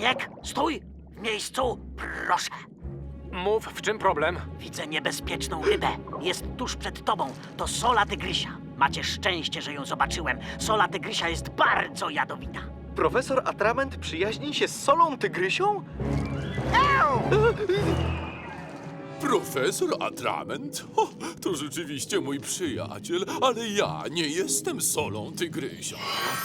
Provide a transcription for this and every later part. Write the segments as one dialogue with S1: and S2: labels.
S1: Człowiek, stój! W miejscu, proszę.
S2: Mów, w czym problem?
S1: Widzę niebezpieczną rybę. Jest tuż przed tobą. To sola tygrysia. Macie szczęście, że ją zobaczyłem. Sola tygrysia jest bardzo jadowita.
S3: Profesor Atrament przyjaźni się z solą tygrysią?
S4: Profesor Atrament? O, to rzeczywiście mój przyjaciel, ale ja nie jestem solą tygrysia.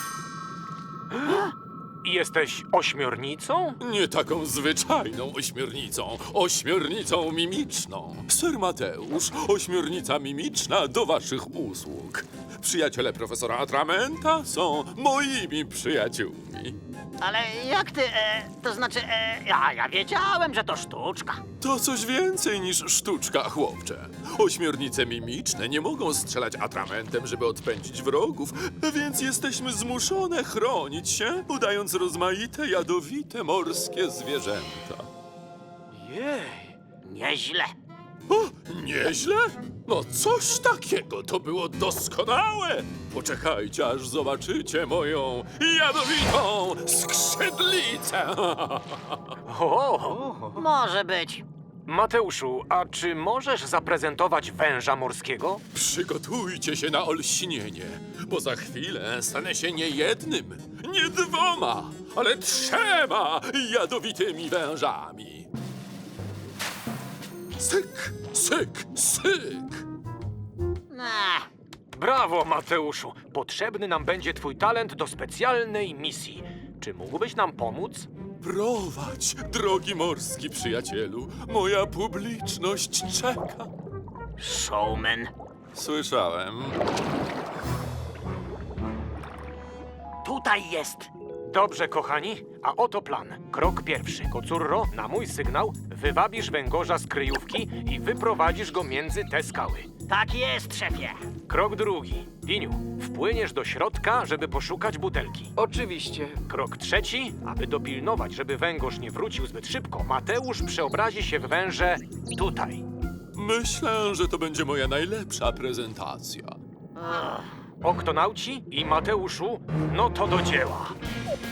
S2: Jesteś ośmiornicą?
S4: Nie taką zwyczajną ośmiornicą mimiczną. Sir Mateusz, ośmiornica mimiczna do waszych usług. Przyjaciele profesora Atramenta są moimi przyjaciółmi.
S1: Ale jak ty, to znaczy, ja wiedziałem, że to sztuczka.
S4: To coś więcej niż sztuczka, chłopcze. Ośmiornice mimiczne nie mogą strzelać atramentem, żeby odpędzić wrogów, więc jesteśmy zmuszone chronić się, udając rozmaite, jadowite morskie zwierzęta.
S2: Jej.
S1: Nieźle.
S4: O, nieźle? No coś takiego, to było doskonałe! Poczekajcie, aż zobaczycie moją jadowitą skrzydlicę!
S2: O!
S1: Może być.
S2: Mateuszu, a czy możesz zaprezentować węża morskiego?
S4: Przygotujcie się na olśnienie, bo za chwilę stanę się nie jednym, nie dwoma, ale 3 jadowitymi wężami. Syk, syk, syk!
S2: Brawo, Mateuszu! Potrzebny nam będzie twój talent do specjalnej misji. Czy mógłbyś nam pomóc?
S4: Prowadź, drogi morski przyjacielu, moja publiczność czeka.
S1: Showman.
S4: Słyszałem.
S1: Tutaj jest.
S2: Dobrze, kochani, a oto plan. Krok pierwszy. Kocurro, na mój sygnał, wywabisz węgorza z kryjówki i wyprowadzisz go między te skały.
S1: Tak jest, szefie.
S2: Krok drugi. Diniu, wpłyniesz do środka, żeby poszukać butelki.
S3: Oczywiście.
S2: Krok trzeci, aby dopilnować, żeby węgorz nie wrócił zbyt szybko, Mateusz przeobrazi się w węże tutaj.
S4: Myślę, że to będzie moja najlepsza prezentacja.
S2: Oktonauci i Mateuszu, no to do dzieła.